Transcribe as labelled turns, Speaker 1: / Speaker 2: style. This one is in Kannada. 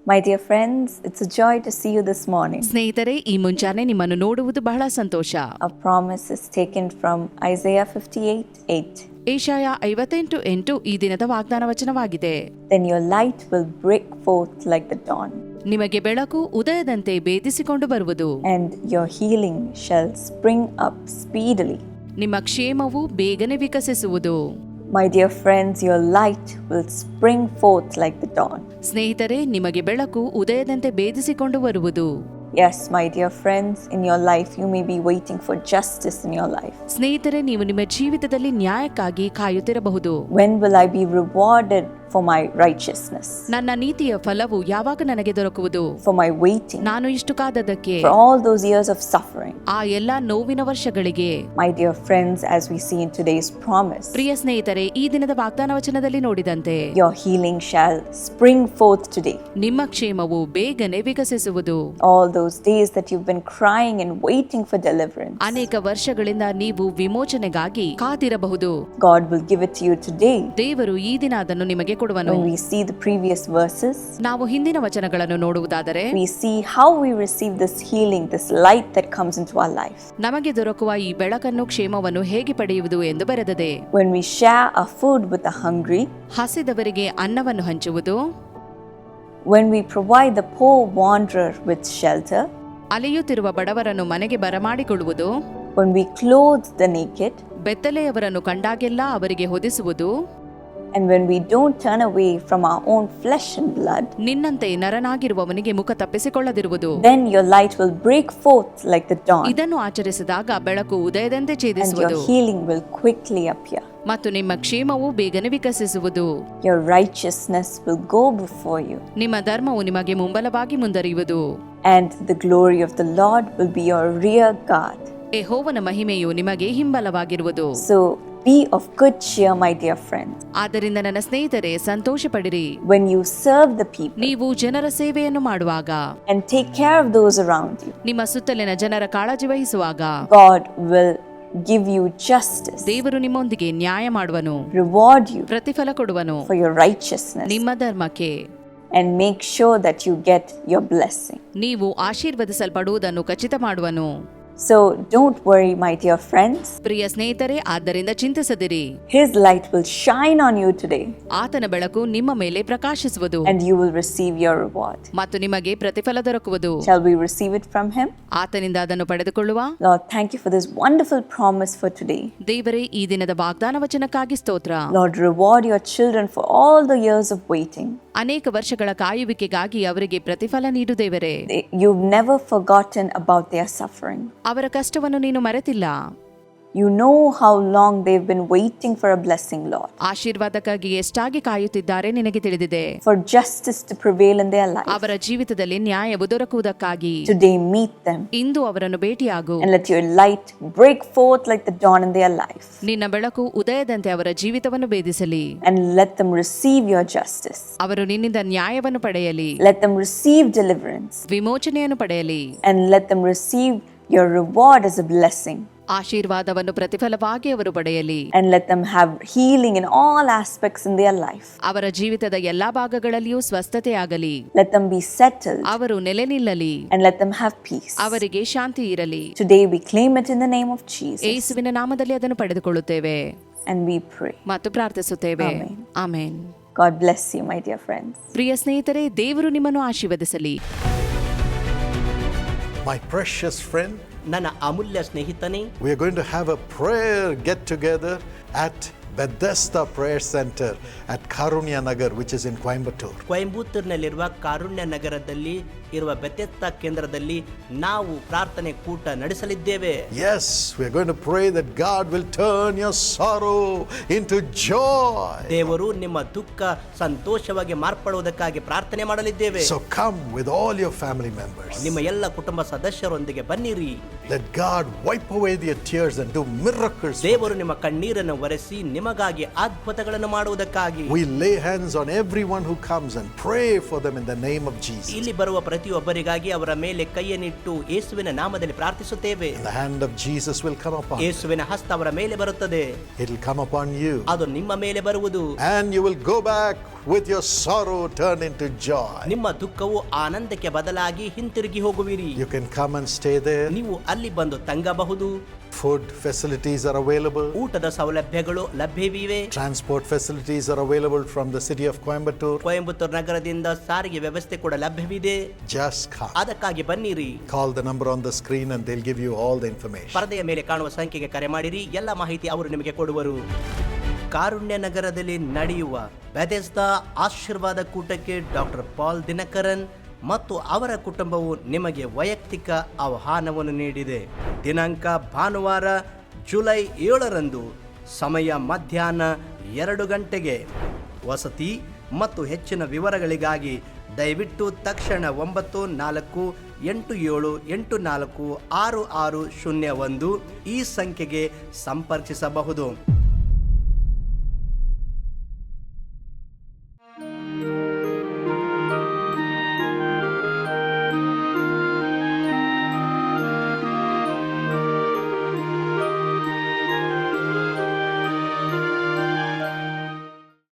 Speaker 1: My dear friends, it's a joy to see you this morning.
Speaker 2: ಸ್ನೇಹಿತರೆ, ಈ ಮುಂಜಾನೆ ನಿಮ್ಮನ್ನು ನೋಡುವುದು ಬಹಳ ಸಂತೋಷ.
Speaker 1: Our promise is taken from Isaiah 58:8.
Speaker 2: ಏಷಾಯ 58:8 ಈ ದಿನದ ವಾಗ್ದಾನ ವಚನವಾಗಿದೆ.
Speaker 1: Then your light will break forth like the dawn,
Speaker 2: ನಿಮಗೆ ಬೆಳಕು ಉದಯದಂತೆ ಭೇದಿಸಿಕೊಂಡು ಬರುವುದು,
Speaker 1: and your healing shall spring up speedily.
Speaker 2: ನಿಮ್ಮ ಕ್ಷೇಮವು ಬೇಗನೆ ವಿಕಸಿಸುವುದು.
Speaker 1: My dear friends, your light will spring forth like the dawn.
Speaker 2: ಸ್ನೇಹಿತರೆ, ನಿಮಗೆ ಬೆಳಕು ಉದಯದಂತೆ ಭೇದಿಸಿಕೊಂಡು ಬರುವುದು.
Speaker 1: Yes, my dear friends, in your life you may be waiting for justice in your life.
Speaker 2: ಸ್ನೇಹಿತರೆ, ನೀವು ನಿಮ್ಮ ಜೀವಿತದಲ್ಲಿ ನ್ಯಾಯಕ್ಕಾಗಿ ಕಾಯುತ್ತಿರಬಹುದು.
Speaker 1: When will I be rewarded for my righteousness?
Speaker 2: ನನ್ನ ನೀತಿಯ ಫಲವು ಯಾವಾಗ ನನಗೆ ದೊರಕುವುದು?
Speaker 1: For my waiting?
Speaker 2: ನಾನು ಇಷ್ಟು ಕಾದದಕ್ಕೆ,
Speaker 1: For all those years of suffering?
Speaker 2: ಆ ಎಲ್ಲಾ ನೋವಿನ ವರ್ಷಗಳಿಗೆ.
Speaker 1: My dear friends, as we see in today's promise,
Speaker 2: ಪ್ರಿಯ ಸ್ನೇಹಿತರೆ, ಈ ದಿನದ ವಾಗ್ದಾನ ವಚನದಲ್ಲಿ ನೋಡಿದಂತೆ
Speaker 1: your healing shall spring forth today.
Speaker 2: ನಿಮ್ಮ ಕ್ಷೇಮವು ಬೇಗನೆ ವಿಕಸಿಸುವುದು.
Speaker 1: All those days that you've been crying and waiting for deliverance,
Speaker 2: ಅನೇಕ ವರ್ಷಗಳಿಂದ ನೀವು ವಿಮೋಚನೆಗಾಗಿ ಕಾದಿರಬಹುದು.
Speaker 1: God will give it to you today.
Speaker 2: ದೇವರು ಈ ದಿನ ಅದನ್ನು ನಿಮಗೆ ಕೊಡುವನು.
Speaker 1: When we see the previous verses,
Speaker 2: ನಾವು ಹಿಂದಿನ ವಚನಗಳನ್ನು ನೋಡುವುದಾದರೆ
Speaker 1: we see how we receive this healing, this light that comes into our life.
Speaker 2: ನಮಗೆ ದೊರಕುವ ಈ ಬೆಳಕನ್ನು, ಕ್ಷೇಮವನ್ನು ಹೇಗೆ ಪಡೆಯುವುದು ಎಂದು ಬರೆದಿದೆ.
Speaker 1: When we share our food with the hungry,
Speaker 2: ಹಸಿದವರಿಗೆ ಅನ್ನವನ್ನು ಹಂಚುವುದು,
Speaker 1: when we provide the poor wanderer with shelter,
Speaker 2: ಅಲೆಯುತ್ತಿರುವ ಬಡವರನ್ನು ಮನೆಗೆ ಬರಮಾಡಿಕೊಳ್ಳುವುದು,
Speaker 1: when we clothe the naked,
Speaker 2: ಬೆತ್ತಲೆಯವರನ್ನು ಕಂಡಾಗೆಲ್ಲ ಅವರಿಗೆ ಹೊದಿಸುವುದು,
Speaker 1: and when we don't turn away from our own flesh and blood,
Speaker 2: ನಿನ್ನಂತೆ ನರನಾಗಿರುವವನಿಗೆ ಮುಖ ತಪ್ಪಿಸಿಕೊಳ್ಳದಿರುವುದು.
Speaker 1: then your light will break forth like the dawn,
Speaker 2: ಇದನ್ನು ಆಚರಿಸಿದಾಗ ಬೆಳಕು ಉದಯದಂತೆ
Speaker 1: and
Speaker 2: ಛೇದಿಸುವುದು
Speaker 1: your healing will quickly appear.
Speaker 2: ಮತ್ತು ನಿಮ್ಮ ಕ್ಷೇಮವು ಬೇಗನೆ ವಿಕಸಿಸುವುದು.
Speaker 1: Your righteousness will go before you,
Speaker 2: ನಿಮ್ಮ ಧರ್ಮವು ನಿಮಗೆ ಮುಂಬಲವಾಗಿ ಮುಂದರಿಯುವುದು.
Speaker 1: and the glory of the Lord will be your rear guard.
Speaker 2: ಯೆಹೋವನ ಮಹಿಮೆಯು ನಿಮಗೆ ಹಿಂಬಲವಾಗಿರುವುದು.
Speaker 1: So be of good cheer, my dear friends.
Speaker 2: ಆದ್ದರಿಂದ ನನ್ನ ಸ್ನೇಹಿತರೆ, ಸಂತೋಷ ಪಡಿರಿ.
Speaker 1: When you serve the people
Speaker 2: ನೀವು ಜನರ ಸೇವೆಯನ್ನು ಮಾಡುವಾಗ,
Speaker 1: and take care of those around you,
Speaker 2: ನಿಮ್ಮ ಸುತ್ತಲಿನ ಜನರ ಕಾಳಜಿ ವಹಿಸುವಾಗ,
Speaker 1: God will give you justice,
Speaker 2: ದೇವರು ನಿಮ್ಮೊಂದಿಗೆ ನ್ಯಾಯ ಮಾಡುವನು,
Speaker 1: reward you
Speaker 2: ಪ್ರತಿಫಲ ಕೊಡುವನು
Speaker 1: for your righteousness,
Speaker 2: ನಿಮ್ಮ ಧರ್ಮಕ್ಕೆ.
Speaker 1: and make sure that you get your blessing.
Speaker 2: ನೀವು ಆಶೀರ್ವದಿಸಲ್ಪಡುವುದನ್ನು ಖಚಿತ ಮಾಡುವನು.
Speaker 1: So don't worry, my dear friends.
Speaker 2: ಪ್ರಿಯ ಸ್ನೇಹಿತರೆ, ಆದ್ದರಿಂದ ಚಿಂತಿಸದಿರಿ.
Speaker 1: His light will shine on you today,
Speaker 2: ಆತನ ಬೆಳಕು ನಿಮ್ಮ ಮೇಲೆ ಪ್ರಕಾಶಿಸುವುದು,
Speaker 1: and you will receive your reward.
Speaker 2: ಮತ್ತು ನಿಮಗೆ ಪ್ರತಿಫಲ ದೊರಕುವುದು.
Speaker 1: Shall we receive it from him?
Speaker 2: ಆತನಿಂದ ಅದನ್ನು ಪಡೆದುಕೊಳ್ಳುವ.
Speaker 1: Lord, thank you for this wonderful promise for today.
Speaker 2: ದೇವರೇ, ಈ ದಿನದ ವಾಗ್ದಾನ ವಚನಕ್ಕಾಗಿ ಸ್ತೋತ್ರ.
Speaker 1: Lord, reward your children for all the years of waiting.
Speaker 2: ಅನೇಕ ವರ್ಷಗಳ ಕಾಯುವಿಕೆಗಾಗಿ ಅವರಿಗೆ ಪ್ರತಿಫಲ ನೀಡು ದೇವರೇ.
Speaker 1: You've never forgotten about their suffering.
Speaker 2: ಅವರ ಕಷ್ಟವನ್ನು ನೀನು ಮರೆತಿಲ್ಲ.
Speaker 1: You know how long they've been waiting for a blessing, Lord.
Speaker 2: ಆಶೀರ್ವಾದಕ್ಕಾಗಿ ಎಷ್ಟಾಗಿ ಕಾಯುತ್ತಿದ್ದಾರೆ ನಿನಗೆ ತಿಳಿದಿದೆ.
Speaker 1: For justice to prevail in their life.
Speaker 2: ಅವರ ಜೀವಿತದಲ್ಲಿ ನ್ಯಾಯವು ದೊರಕುವುದಕ್ಕಾಗಿ
Speaker 1: Today meet them,
Speaker 2: ಇಂದು ಅವರನ್ನು ಭೇಟಿಯಾಗು.
Speaker 1: and let your light break forth like the dawn in their life.
Speaker 2: ನಿನ್ನ ಬೆಳಕು ಉದಯದಂತೆ ಅವರ ಜೀವಿತವನ್ನು ಭೇದಿಸಲಿ.
Speaker 1: And let them receive your justice.
Speaker 2: ಅವರು ನಿನ್ನಿಂದ ನ್ಯಾಯವನ್ನು ಪಡೆಯಲಿ,
Speaker 1: Let them receive deliverance.
Speaker 2: ವಿಮೋಚನೆಯನ್ನು ಪಡೆಯಲಿ,
Speaker 1: And let them receive your reward as a blessing.
Speaker 2: ಆಶೀರ್ವಾದವನ್ನು ಪ್ರತಿಫಲವಾಗಿ ಅವರು ಪಡೆಯಲಿ.
Speaker 1: And let them have healing in all aspects in their life.
Speaker 2: ಅವರ ಜೀವಿತದ ಎಲ್ಲಾ ಭಾಗಗಳಲ್ಲಿಯೂ ಸ್ವಸ್ಥತೆಯಾಗಲಿ.
Speaker 1: Let them be settled.
Speaker 2: ಅವರು ನೆಲೆ ನಿಲ್ಲಲಿ.
Speaker 1: And let them have peace.
Speaker 2: ಅವರಿಗೆ ಶಾಂತಿ ಇರಲಿ.
Speaker 1: Today we claim it in the name of Jesus.
Speaker 2: ಯೇಸುವಿನ ನಾಮದಲ್ಲಿ ಅದನ್ನು ಪಡೆದುಕೊಳ್ಳುತ್ತೇವೆ
Speaker 1: And we pray.
Speaker 2: ಮತ್ತು ಪ್ರಾರ್ಥಿಸುತ್ತೇವೆ.
Speaker 1: Amen.
Speaker 2: Amen.
Speaker 1: God bless you, my dear friends.
Speaker 2: ಪ್ರಿಯ ಸ್ನೇಹಿತರೆ, ದೇವರು ನಿಮ್ಮನ್ನು ಆಶೀರ್ವದಿಸಲಿ.
Speaker 3: My precious friend,
Speaker 4: ನನ್ನ ಅಮೂಲ್ಯ ಸ್ನೇಹಿತನೇ,
Speaker 3: we are going to have a prayer get together at Bethesda Prayer Center at Karunya Nagar, which is in Coimbatore.
Speaker 4: ಕೊಯಂಬತ್ತೂರಿನಲ್ಲಿರುವ ಕಾರುಣ್ಯ ನಗರದಲ್ಲಿ ಇರುವ ಬೆಥೆಸ್ದಾ ಕೇಂದ್ರದಲ್ಲಿ ನಾವು ಪ್ರಾರ್ಥನೆ ಕೂಟ ನಡೆಸಲಿದ್ದೇವೆ.
Speaker 3: Yes, we are going to pray that God will turn your sorrow into joy.
Speaker 4: ದೇವರು ನಿಮ್ಮ ದುಃಖ ಸಂತೋಷವಾಗಿ ಮಾರ್ಪಡುವುದಕ್ಕಾಗಿ ಪ್ರಾರ್ಥನೆ ಮಾಡಲಿದ್ದೇವೆ.
Speaker 3: So come with all your family members.
Speaker 4: ನಿಮ್ಮ ಎಲ್ಲ ಕುಟುಂಬ ಸದಸ್ಯರೊಂದಿಗೆ ಬನ್ನಿರಿ.
Speaker 3: Let God wipe away your tears and do miracles.
Speaker 4: ದೇವರು ನಿಮ್ಮ ಕಣ್ಣೀರನ್ನು ಒರೆಸಿ ನಿಮ್ಮ ನಿಮಗಾಗಿ ಅದ್ಭುತಗಳನ್ನು ಮಾಡುವುದಕ್ಕಾಗಿ.
Speaker 3: We lay hands on everyone who comes and pray for them in the name of Jesus.
Speaker 4: ಇಲ್ಲಿ ಬರುವ ಪ್ರತಿಯೊಬ್ಬರಿಗಾಗಿ ಅವರ ಮೇಲೆ ಕೈಯನ್ನಿಟ್ಟು ಯೇಸುವಿನ ನಾಮದಲ್ಲಿ ಪ್ರಾರ್ಥಿಸುತ್ತೇವೆ.
Speaker 3: The hand of Jesus will come upon you.
Speaker 4: ಯೇಸುವಿನ ಹಸ್ತ ಅವರ ಮೇಲೆ ಬರುತ್ತದೆ.
Speaker 3: It will come upon you.
Speaker 4: ಅದು ನಿಮ್ಮ ಮೇಲೆ ಬರುವುದು.
Speaker 3: And you will go back with your sorrow turned into joy.
Speaker 4: ನಿಮ್ಮ ದುಃಖವು ಆನಂದಕ್ಕೆ ಬದಲಾಗಿ ಹಿಂತಿರುಗಿ ಹೋಗುವಿರಿ.
Speaker 3: You can come and stay there.
Speaker 4: ನೀವು ಅಲ್ಲಿ ಬಂದು ತಂಗಬಹುದು.
Speaker 3: Food facilities are available.
Speaker 4: ಊಟದ ಸೌಲಭ್ಯಗಳು ಲಭ್ಯವಿವೆ.
Speaker 3: Transport facilities are available from the city of Coimbatore.
Speaker 4: Coimbatore ನಗರದಿಂದ ಸಾರಿಗೆ ವ್ಯವಸ್ಥೆ ಕೂಡ ಲಭ್ಯವಿದೆ.
Speaker 3: Just come.
Speaker 4: ಅದಕ್ಕಾಗಿ ಬನ್ನಿರಿ.
Speaker 3: Call the number on the screen and they'll give you all the information.
Speaker 4: ಪರದೆಯ ಮೇಲೆ ಕಾಣುವ ಸಂಖ್ಯೆಗೆ ಕರೆ ಮಾಡಿರಿ. ಎಲ್ಲ ಮಾಹಿತಿ ಅವರು ನಿಮಗೆ ಕೊಡುವರು. ಕಾರುಣ್ಯ ನಗರದಲ್ಲಿ ನಡೆಯುವ ಬೆಥೆಸ್ದಾ ಆಶೀರ್ವಾದ ಕೂಟಕ್ಕೆ ಡಾಕ್ಟರ್ ಪಾಲ್ ದಿನಕರನ್ ಮತ್ತು ಅವರ ಕುಟುಂಬವು ನಿಮಗೆ ವೈಯಕ್ತಿಕ ಆಹ್ವಾನವನ್ನು ನೀಡಿದೆ. ದಿನಾಂಕ ಭಾನುವಾರ ಜುಲೈ 7ರಂದು, ಸಮಯ ಮಧ್ಯಾಹ್ನ 2 ಗಂಟೆಗೆ. ವಸತಿ ಮತ್ತು ಹೆಚ್ಚಿನ ವಿವರಗಳಿಗಾಗಿ ದಯವಿಟ್ಟು ತಕ್ಷಣ 9487846601 ಈ ಸಂಖ್ಯೆಗೆ ಸಂಪರ್ಕಿಸಬಹುದು.